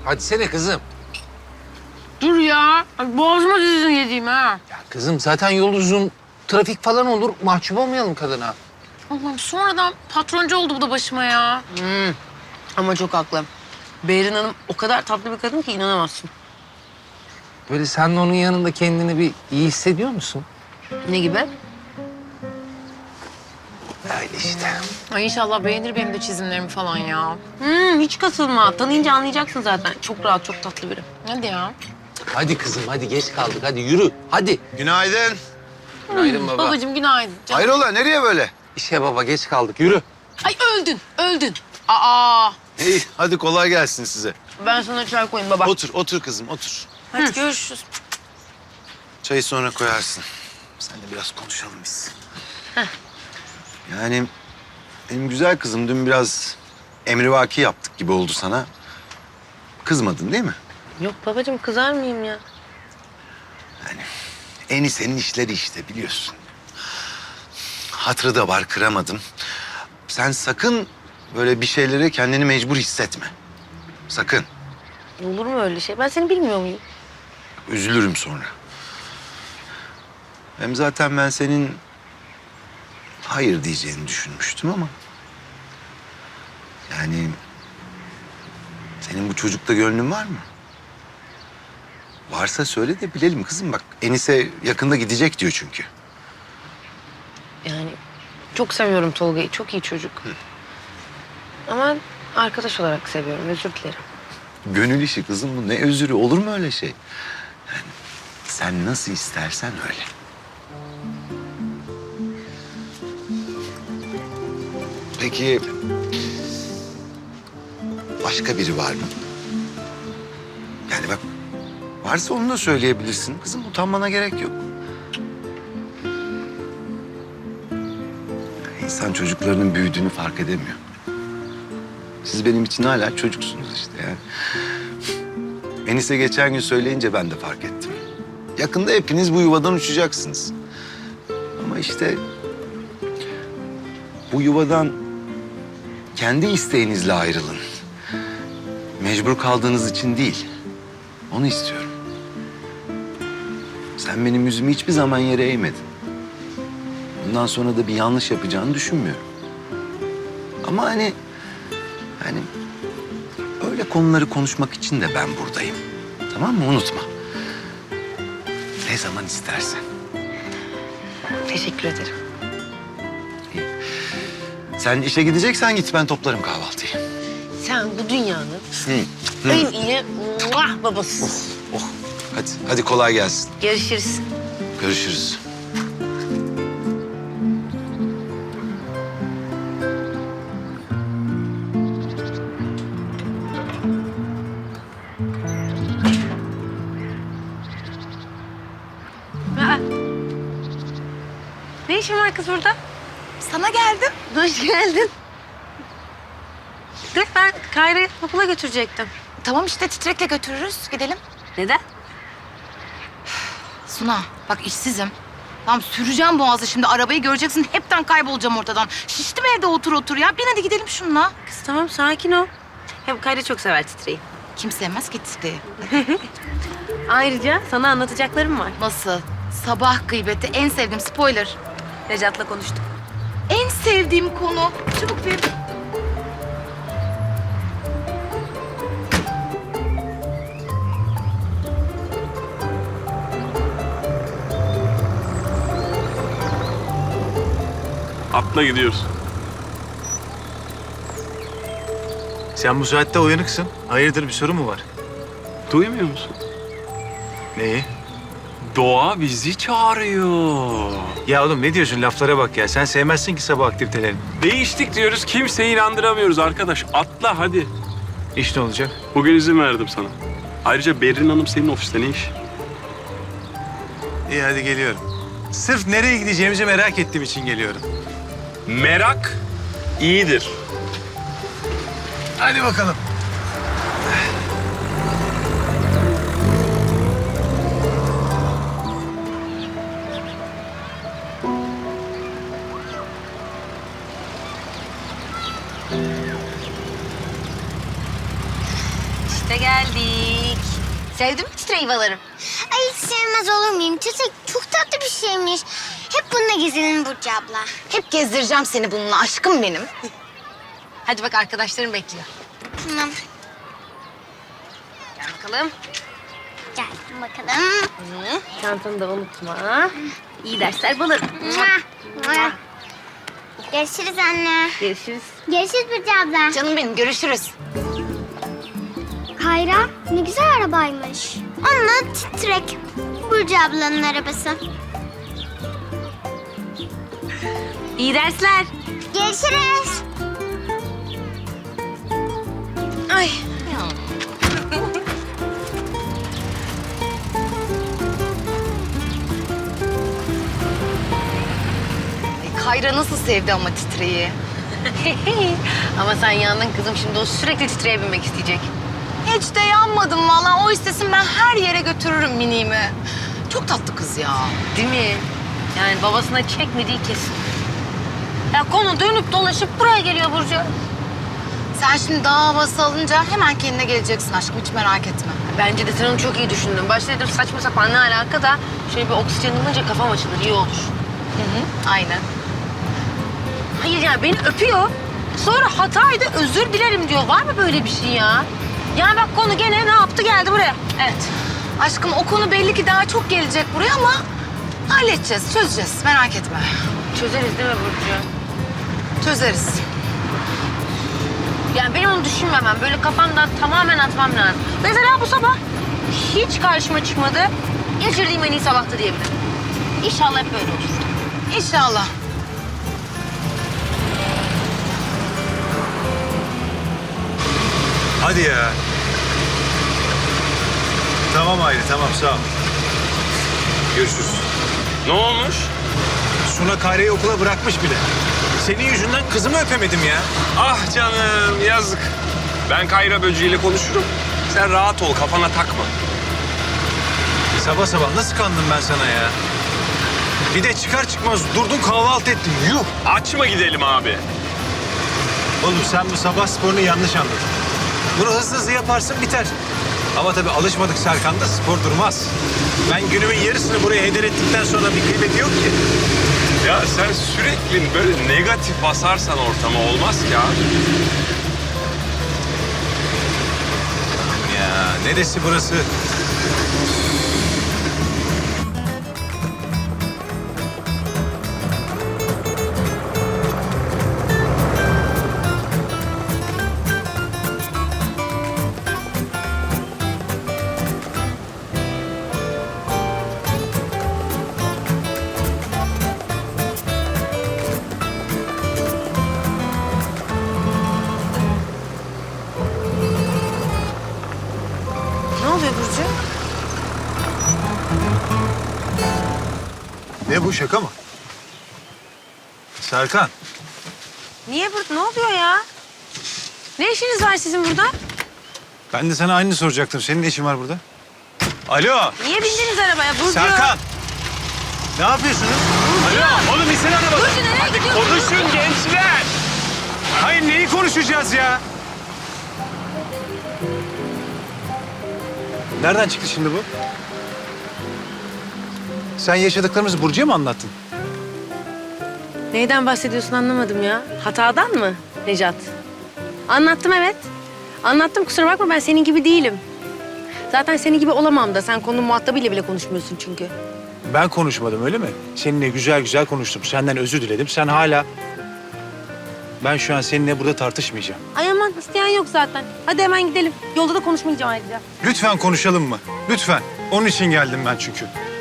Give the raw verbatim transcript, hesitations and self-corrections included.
Hadi sene kızım. Dur ya. Ay, boğazıma dizin yediğim ha. Ya kızım zaten yol uzun. Trafik falan olur. Mahcup olmayalım kadına. Allah'ım sonradan patroncu oldu bu da başıma ya. Hmm. Ama çok haklı. Behrin Hanım o kadar tatlı bir kadın ki inanamazsın. Böyle sen de onun yanında kendini bir iyi hissediyor musun? Ne gibi? Öyle işte. Ay inşallah beğenir benim de çizimlerimi falan ya. Hmm, hiç kasılma. Tanıyınca anlayacaksın zaten. Çok rahat, çok tatlı biri. Hadi ya. Hadi kızım hadi geç kaldık. Hadi yürü. Hadi. Günaydın. Günaydın baba. Babacığım günaydın. Canım. Hayrola nereye böyle? İşe baba geç kaldık. Yürü. Ay öldün, öldün. Aa, İyi hadi kolay gelsin size. Ben sana çay koyayım baba. Otur otur kızım otur. hadi görüşürüz. Çayı sonra koyarsın. Seninle biraz konuşalım biz. Yani benim güzel kızım dün biraz emrivaki yaptık gibi oldu sana. Kızmadın değil mi? Yok babacığım, kızar mıyım ya? Enise'nin işleri işte biliyorsun. Hatırı da var kıramadım. Sen sakın böyle bir şeylere kendini mecbur hissetme. Sakın. Olur mu öyle şey? Ben seni bilmiyor muyum? Üzülürüm sonra. Hem zaten ben senin hayır diyeceğini düşünmüştüm ama... Yani senin bu çocukta gönlün var mı? Varsa söyle de bilelim kızım bak. Enise yakında gidecek diyor çünkü. Yani çok seviyorum Tolga'yı. Çok iyi çocuk. Ama arkadaş olarak seviyorum. Özür dilerim. Gönül işi kızım bu. Ne özürü olur mu öyle şey? Yani sen nasıl istersen öyle. Peki başka biri var mı? Yani bak varsa onu da söyleyebilirsin. Kızım utanmana gerek yok. İnsan çocuklarının büyüdüğünü fark edemiyor. Siz benim için hala çocuksunuz işte yani. Enis'e geçen gün söyleyince ben de fark ettim. Yakında hepiniz bu yuvadan uçacaksınız. Ama işte bu yuvadan kendi isteğinizle ayrılın. Mecbur kaldığınız için değil. Onu istiyorum. Sen benim yüzümü hiçbir zaman yere eğmedin. Bundan sonra da bir yanlış yapacağını düşünmüyorum. Ama hani... hani öyle konuları konuşmak için de ben buradayım. Tamam mı? Unutma. Ne zaman istersen. Teşekkür ederim. Sen işe gideceksen git, ben toplarım kahvaltıyı. Sen bu dünyanın Hı. en iyi muah babası. Oh, hadi, hadi kolay gelsin. Görüşürüz. Görüşürüz. Aa. Ne işin var kız burada? Sana geldim. Hoş geldin. Dur, ben Kayra'yı okula götürecektim. Tamam işte titrekle götürürüz. Gidelim. Neden? Suna bak işsizim. Tamam süreceğim boğazı şimdi. Arabayı göreceksin. Hepten kaybolacağım ortadan. Şiştim evde otur otur ya. Bin hadi gidelim şununla. Kız tamam, sakin ol. Hem Kayra çok sever titreyi. Kim sevmez ki titreyi? Ayrıca sana anlatacaklarım var. Nasıl? Sabah gıybeti en sevdiğim spoiler. Necat'la konuştuk. En sevdiğim konu. Çabuk ver. Atla gidiyoruz. Sen bu saatte uyanıksın. Hayırdır, bir sorun mu var? Duymuyor musun? Neyi? Doğa bizi çağırıyor. Ya oğlum ne diyorsun? Laflara bak ya. Sen sevmezsin ki sabah aktivitelerini. Değiştik diyoruz, kimseyi inandıramıyoruz arkadaş. Atla hadi. İş ne olacak? Bugün izin verdim sana. Ayrıca Berrin Hanım senin ofiste ne iş? İyi hadi geliyorum. Sırf nereye gideceğimizi merak ettiğim için geliyorum. Merak iyidir. Hadi bakalım. İşte İşte geldik. Sevdin mi titreyvaları? Ay hiç sevmez olur muyum? Titrek çok tatlı bir şeymiş. Hep bununla gezelim Burcu abla. Hep gezdireceğim seni bununla aşkım benim. Hadi bak arkadaşlarım bekliyor. Tamam. Gel bakalım. Geldim bakalım. Hı, çantanı da unutma. İyi dersler bulur. Mua, mua. Görüşürüz anne. Görüşürüz. Görüşürüz Burcu abla. Canım benim görüşürüz. Kayra ne güzel arabaymış. Onunla titrek. Burcu ablanın arabası. İyi dersler. Görüşürüz. Ay. Ay, Kayra nasıl sevdi ama titreyi. Ama sen yandın kızım. Şimdi o sürekli titreye binmek isteyecek. Hiç de yanmadım vallahi. O istesin ben her yere götürürüm miniğimi. Çok tatlı kız ya. Değil mi? Yani babasına çekmediği kesin. Ya konu dönüp dolaşıp buraya geliyor Burcu. Sen şimdi dağ havası alınca hemen kendine geleceksin aşkım. Hiç merak etme. Bence de sen onu çok iyi düşündün. Başta dedim saçma sapan ne alaka da şöyle bir oksijen alınca kafam açılır, iyi olur. Hı hı. Aynen. Hayır yani beni öpüyor. Sonra hataydı özür dilerim diyor. Var mı böyle bir şey ya? Yani bak konu gene ne yaptı geldi buraya. Evet. Aşkım o konu belli ki daha çok gelecek buraya ama halledeceğiz, çözeceğiz. Merak etme. Çözeriz değil mi Burcu? Çözeriz. Yani benim onu düşünmemem. Böyle kafamdan tamamen atmam lazım. Mesela bu sabah hiç karşıma çıkmadı. Geçirdiğim en iyi sabahtı diyebilirim. İnşallah hep böyle olur. İnşallah. Hadi ya. Tamam Hayri, tamam sağ ol. Görüşürüz. Ne olmuş? Suna Kayra'yı okula bırakmış bile. Senin yüzünden kızımı öpemedim ya. Ah canım yazık. Ben Kayra böceğiyle konuşurum. Sen rahat ol, kafana takma. Sabah sabah nasıl kandım ben sana ya? Bir de çıkar çıkmaz durdun kahvaltı ettin. Yuh! Açma gidelim abi. Oğlum sen bu sabah sporunu yanlış anladın. Bunu hızlı hızlı yaparsın biter. Ama tabii alışmadık Serkan'da spor durmaz. Ben günümün yarısını buraya heder ettikten sonra bir kıymeti yok ki. Ya sen sürekli böyle negatif basarsan ortama olmaz ki abi. Ya neresi burası? Ne oluyor Burcu? Ne bu şaka mı? Serkan. Niye burada? Ne oluyor ya? Ne işiniz var sizin burada? Ben de sana aynı soracaktım. Senin ne işin var burada? Alo. Niye bindiniz arabaya Burcu? Serkan. Ne yapıyorsunuz? Alo. Oğlum insene arabada. Burcu nereye gidiyorsun? Konuşun gençler. Hayır neyi konuşacağız ya? Nereden çıktı şimdi bu? Sen yaşadıklarımızı Burcu'ya mı anlattın? Neyden bahsediyorsun anlamadım ya. Hatadan mı Necat? Anlattım evet. Anlattım kusura bakma ben senin gibi değilim. Zaten senin gibi olamam da sen konunun muhatabıyla bile konuşmuyorsun çünkü. Ben konuşmadım öyle mi? Seninle güzel güzel konuştum. Senden özür diledim. Sen hala... Ben şu an seninle burada tartışmayacağım. Ay aman isteyen yok zaten. Hadi hemen gidelim. Yolda da konuşmayacağım ayrıca. Lütfen konuşalım mı? Lütfen. Onun için geldim ben çünkü.